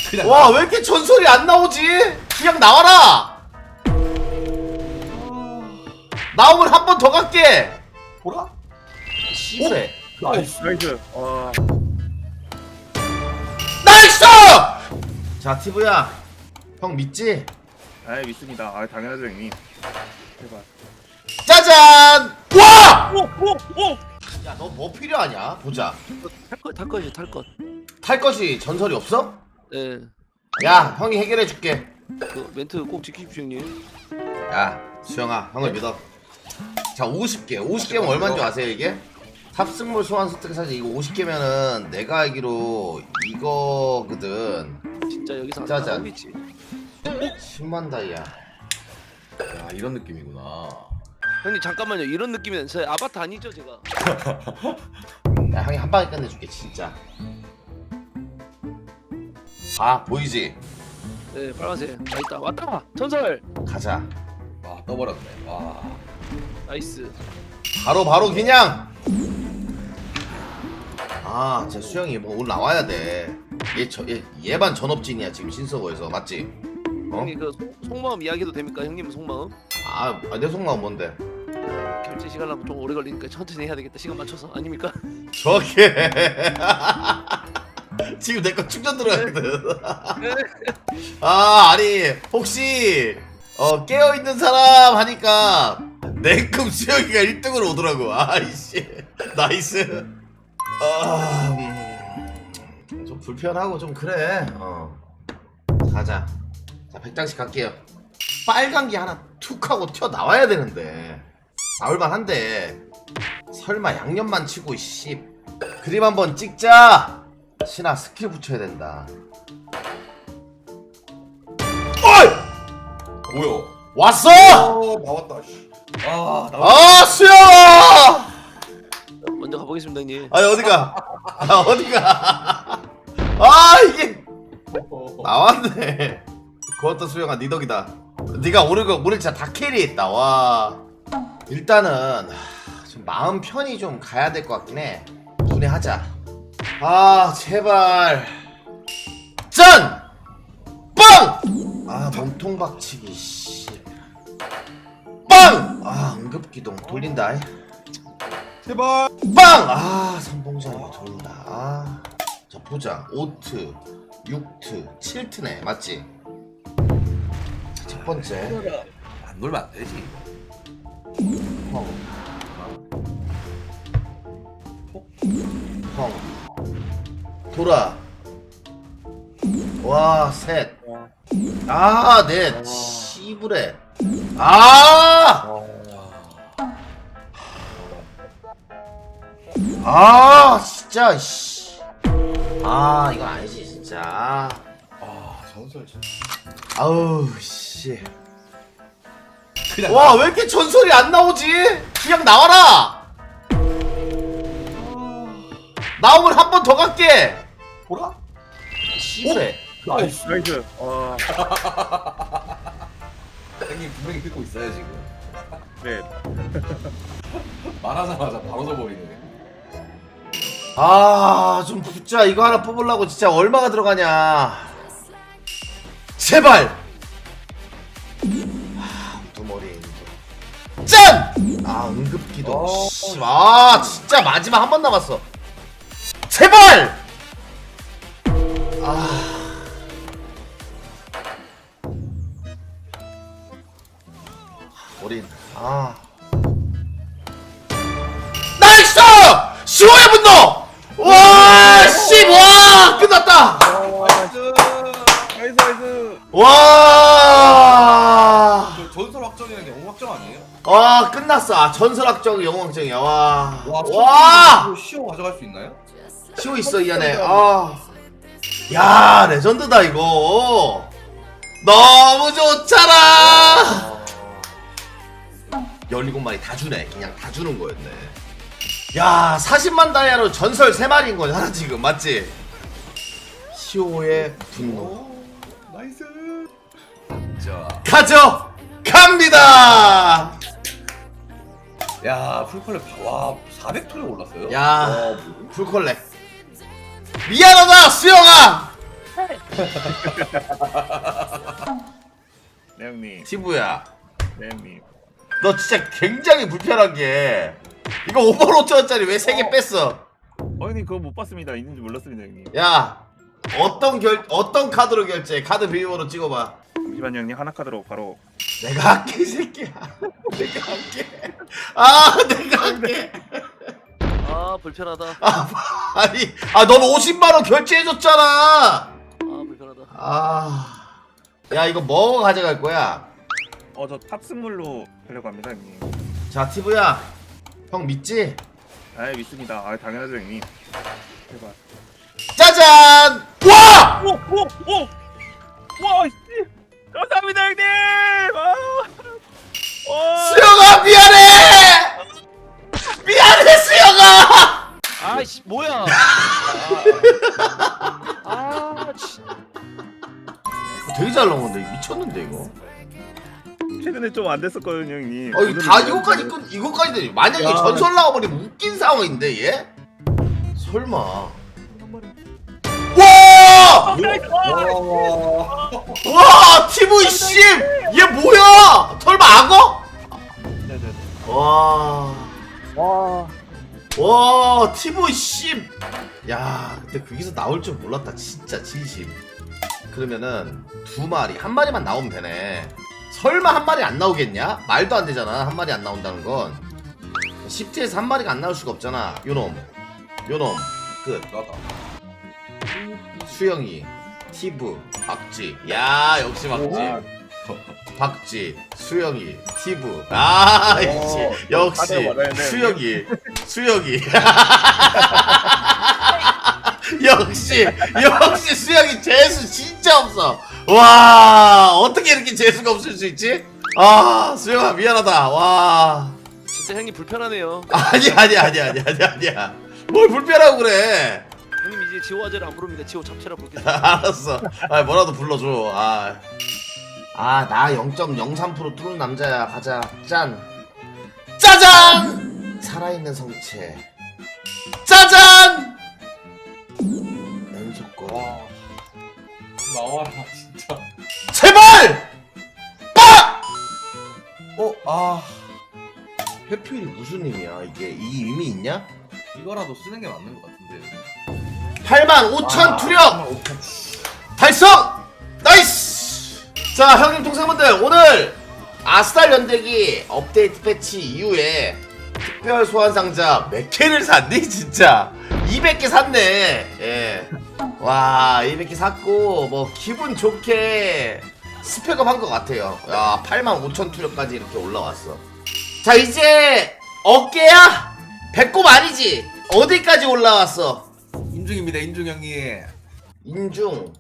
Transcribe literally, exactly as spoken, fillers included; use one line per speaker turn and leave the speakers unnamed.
와, 왜 이렇게 전설이 안 나오지? 그냥 나와라! 나오면 한 번 더 갈게! 보라? 씨부래.
나이스 나이스. 와.
나이스! 자, 티브야. 형 믿지?
아 믿습니다. 아 당연하죠 형님. 제발.
짜잔! 와!
오! 오! 오!
야, 너 뭐 필요하냐? 보자.
탈것 탈것이 탈것.
탈 것이 전설이 없어?
예.
야, 형이 해결해 줄게.
그 멘트 꼭 지키십시오 형님.
야, 수영아, 형을 믿어. 자, 오십 개. 오십 개면 얼마인 줄 아세요, 이게? 탑승물 소환 스택 사실 이거 오십 개면은 내가 알기로 이거거든.
진짜 여기서 안
짜잔.
나오겠지.
십만 다이아.
야 이런 느낌이구나.
형님 잠깐만요. 이런 느낌이면 제 아바타 아니죠 제가?
야, 형이 한 방에 끝내줄게, 진짜. 아, 보이지?
네 빨간색. 아 있다 왔다. 전설.
가자.
와 떠버렸네. 와.
나이스.
바로 바로 그냥. 아, 제 수영이 뭐 오늘 나와야 돼. 얘 저 얘 얘반 전업진이야 지금 신서버에서, 맞지? 어?
형님 그 속, 속마음 이야기해도 됩니까? 형님은 속마음?
아, 아, 내 속마음 뭔데?
결제 시간은 좀 오래 걸리니까 천천히 해야 되겠다. 시간 맞춰서 아닙니까?
저게 지금 내 거 충전 들어가거든. 아, 아니 혹시 어 깨어 있는 사람 하니까 냉큼 수영이가 일 등으로 오더라고. 아이씨, 나이스. 아, 음, 좀 불편하고 좀 그래. 어, 가자. 자, 백 장씩 갈게요. 빨간 게 하나 툭 하고 튀어 나와야 되는데 나올만한데 설마 양념만 치고 씨. 그림 한번 찍자. 신아, 스킬 붙여야 된다. 어이!
뭐야?
왔어!
어 나왔다. 씨. 아 나왔다.
아, 수영아!
먼저 가보겠습니다 형님.
아니, 어디가? 아, 어디가? 아, 이게 나왔네. 그것도 수영아, 니 덕이다. 니가 오늘 거 오늘 진짜 다 캐리했다. 와. 일단은 하, 좀 마음 편히 좀 가야 될 것 같긴 해. 분해하자. 아, 제발. 짠! 빵! 아, 몸통 박치기 씨. 빵! 아, 응급기동 돌린다.
제발.
빵! 아, 선봉자리가 돌린다. 아. 자, 보자. 오 트, 육 트, 칠 트네. 맞지? 자, 첫 번째.
안 놀면 안 되지.
펑. 펑. 돌아. 와, 셋. 아, 넷. 씨부레. 아! 아, 진짜 씨. 아, 이건 아니지, 진짜.
아 전설 진짜.
아우, 씨.
그냥
와, 왜 이렇게 전설이 안 나오지? 그냥 나와라! 나오면 한 번 더 갈게!
보라?
씨부레.
나이스 나이스. 와.
형님 분명히 듣고 있어요 지금.
네.
말하자마자 바로 져버리네.
아, 좀 붙자. 이거 하나 뽑으려고 진짜 얼마가 들어가냐. 제발! 아, 두 머리. 짠! 아, 응급기동.
어.
씨. 아, 진짜 마지막 한 번 남았어. 제발! 아. 어린. 아. 나이스! 시호의 분노! 와, 씨, 와, 끝났다!
나이스. 나이스 나이스.
와,
저 전설 확정이라는 게 영웅 확정 아니에요?
와, 끝났어. 아, 전설 확정, 영웅 확정이야. 와,
와.
와,
시오 가져갈 수 있나요?
시호 있어, 이 안에. 아, 야, 레전드다, 이거. 너무 좋잖아! 열일곱 마리 다 주네. 그냥 다 주는 거였네. 야, 사십만 다이아로 전설 세 마리인 거잖아, 지금. 맞지? 시호의 분노.
오, 나이스. 자,
가져! 갑니다!
야 풀컬렉 와 사백 톤에 올랐어요?
야,
와,
풀컬렉. 미안하다, 수영아!
네 형님.
티브야
네 형님.
너 진짜 굉장히 불편한 게 이거 오만 오천 원짜리 왜 세 개
어.
뺐어?
어 형님 그거 못 봤습니다. 있는지 몰랐습니다 형님.
야 어떤 결 어떤 카드로 결제? 카드 비밀번호 찍어봐.
잠시만요 형님. 하나 카드로 바로.
내가 할게 이 새끼야. 내가 할게. 아 내가 할게.
아 불편하다.
아 아니 아 넌 오십만 원 결제해줬잖아.
아 불편하다.
아. 야 이거 뭐 가져갈 거야?
어 저 탑승물로 하려고 합니다 형님.
자 티브야 형 믿지?
아 믿습니다. 아 당연하죠 형님. 제발.
짜잔! 와!
오오오 와 씨. 감사합니다 형님. 아. 와.
수영아 미안해! 미안해 수영아!
아이씨 뭐야? 아 씨.
되게 잘 나온 건데 미쳤는데 이거.
최근에 좀 안 됐었거든요 형님.
어 이거 다 이거까지 끝 이거까지 되지. 만약에
야.
전설 나와버리면 웃긴 상황인데 얘? 설마. 와!
와.
와 티브이 씨! 얘 뭐야? 설마 악어?
네네네.
와.
와.
와 티브이 씨! 야 근데 거기서 나올 줄 몰랐다 진짜 진심. 그러면은 두 마리 한 마리만 나오면 되네. 설마 한 마리 안 나오겠냐? 말도 안 되잖아 한 마리 안 나온다는 건. 십지에서 한 마리가 안 나올 수가 없잖아. 요놈 요놈 끝.
나다.
수영이 티브 박지. 야 역시 박지. 박지 수영이 티브. 아
오,
역시 역시
다들 맞아야 돼,
수영이 수영이 역시 역시 수영이 재수 진짜 없어. 와 어떻게 이렇게 재수가 없을 수 있지? 아 수영아 미안하다. 와
진짜 형님 불편하네요.
아니 아니 아니 아니 아니 아니야. 뭘 불편하고 그래.
형님 이제 지호 아재를 안 부릅니다. 지호 잡채라 부르겠습니다.
알았어. 아 뭐라도 불러줘. 아. 아, 나 영 점 영삼 퍼센트 뚫는 남자야. 가자. 짠. 짜잔! 살아있는 성체. 짜잔! 연속권.
와. 나와라 진짜.
제발! 빡!
어, 아.
회피율이 무슨 의미야? 이게 이 의미 있냐?
이거라도 쓰는 게 맞는 것 같은데.
팔만 오천
아,
투력!
오천.
달성! 나이스! 자 형님 동생분들 오늘 아스달 연대기 업데이트 패치 이후에 특별 소환 상자 몇 개를 샀니 진짜 이백 개 샀네. 예. 와 이백 개 샀고 뭐 기분 좋게 스펙업 한 것 같아요. 야 팔만 오천 투력까지 이렇게 올라왔어. 자 이제 어깨야? 배꼽 아니지? 어디까지 올라왔어?
인중입니다, 인중 형님.
인중